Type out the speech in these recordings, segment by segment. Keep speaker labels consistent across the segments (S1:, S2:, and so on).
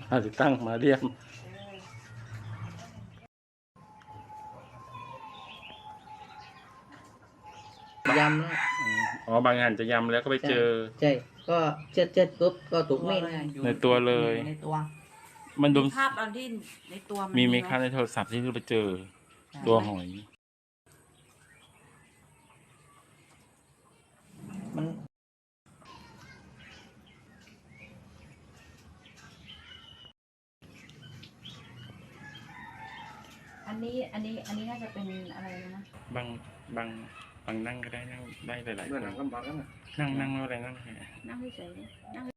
S1: ติดตั้งมาเรียม
S2: ยำแล้ว
S1: อ๋อบางงานจะยำแล้วก็ไปเจอ
S2: ใช่ก็เจ็ดปุ๊บก็ถูกมีด
S1: ในตัวเลย
S2: ในตัว
S1: มันดู
S3: ภาพตอนที่ในตัวมัน
S1: มีไหม
S3: ไห
S1: คะในโทรศัพท์ที่เราไปเจอตัวหอย
S2: มัน
S3: อันนี้น่าจะเป็นอะไรนะ
S1: บางบางบางนั่งก็ได้นั่งได้หลายๆคนนั่งอะไรนั่ง
S3: นั่งเฉยๆนั่ง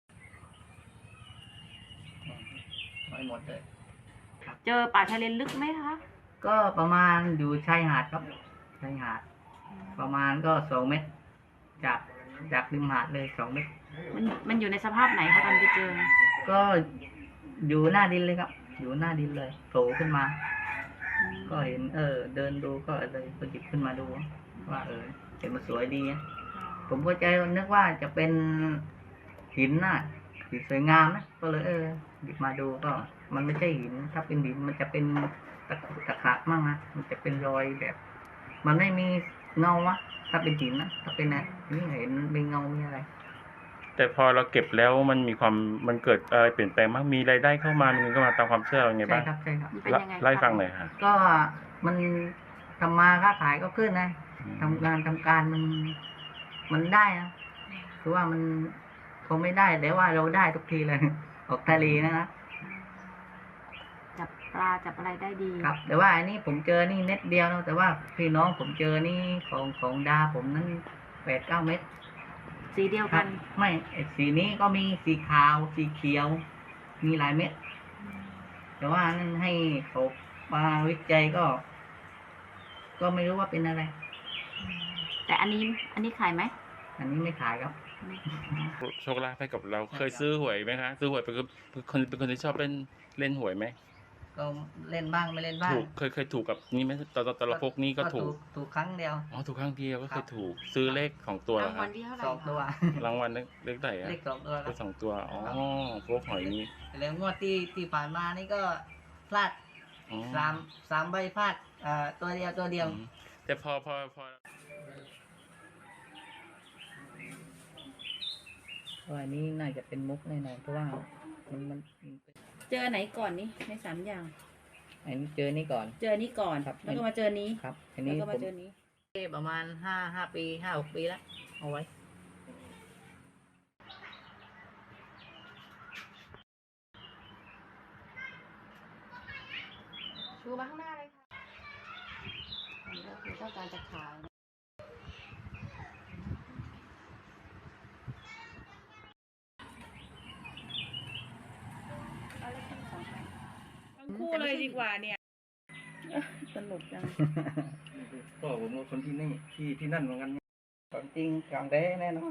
S2: ไม่หมดเลย
S3: เจอป่าชายเลนลึกไหมคะ
S2: ก็ประมาณอยู่ชายหาดครับชายหาดประมาณก็2 เมตรจากริมหาดเลย2 เมตร
S3: มันอยู่ในสภาพไหนคะตอนไปเจอ
S2: ก็อยู่หน้าดินเลยครับอยู่หน้าดินเลยโผล่ขึ้นมาก็เห็นเดินดูก็เลยหยิบขึ้นมาดูว่าเห็นมันสวยดีผมก็ใจนึกว่าจะเป็นหินน่ะหินสวยงามนะก็เลยหยิบมาดูก็มันไม่ใช่หินถ้าเป็นหินมันจะเป็นตะขะมั่งนะมันจะเป็นรอยแบบมันไม่มีเงาวะถ้าเป็นหินนะถ้าเป็นนี่เห็นเป็นเงามีอะไร
S1: แต่พอเราเก็บแล้วมันเกิดอะไรเปลี่ยนแปลงบ้างมีรายได้เข้ามามีเงินเข้ามาตามความเชื่อยังไงบ้าง
S2: ใช่ครับ
S1: ไล่ฟังหน่อยค่ะ
S2: ก็มันทำมาค้าขายก็ขึ้นนะทำการมันได้นะคือว่ามันคงไม่ได้แต่ว่าเราได้ทุกทีเลยออกทะเลนะครับ
S3: จับปลาจับอะไรได้ดี
S2: ครับแต่ว่าอันนี้ผมเจอนี่เม็ดเดียวนะแต่ว่าพี่น้องผมเจอนี่ของดาผมนั้น8-9 เม็ด
S3: สีเดียวกัน
S2: ไม่สีนี้ก็มีสีขาวสีเขียวมีหลายเม็ดแต่ว่านั่นให้เขามาวิจัยก็ไม่รู้ว่าเป็นอะไร
S3: แต่อันนี้ขายไหม
S2: อันนี้ไม่ขายครับ
S1: โชคลาภให้กับเราเคยซื้อหวยไหมคะซื้อหวยเป็นคนที่ชอบเล่นหวยไหม
S2: ก็เล่นบ้างไม่เล่นบ้าง
S1: ถูกเคยถูกกับนี่ไหมตอนละพกนี่ก็
S2: ถูกครั้งเดียว
S1: ถูกครั้งเดียวก็เคยถูกซื้อเลขของตัว
S3: รางวัลที่เท่าไหร่
S2: 2 ตัว
S1: รางวัลเลขไหน
S2: เลข2 ตัว
S1: เลข2 ตัวพวกหอยนี้
S2: แล้วงวดที่ผ่านมานี่ก็พลาดสามใบพลาดตัวเดียว
S1: แต่พอ
S2: อันนี้น่าจะเป็นมุกแน่นอนเพราะว่ามัน
S3: เจอไหนก่อนนี่ใน3 อย่าง
S2: อันนี้เจอนี่ก่อน
S3: ครับแล้วก็มาเจอนี้
S2: ครับอัน
S3: นี้ก็มาเจอนี้
S2: ประมาณ5 ปี 5-6 ปีแล้วเอาไว้
S3: ชูมาข้างหน้าเลยค่ะนี่ก็คือต้องการจะขายคู่เลยดีกว่าเนี่ยสนุกจัง
S1: ก็ผมว่าคนที่นี่ที่นั่นเหมือนกัน
S2: ของจริงของแท้แน่นอน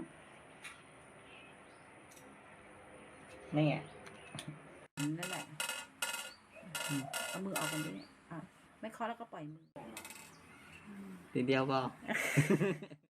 S2: นี่
S3: นั่นแหละเอามือออกกันดิไม่เคาะแล้วก็ปล่อยมือ
S2: ทีเดียวก็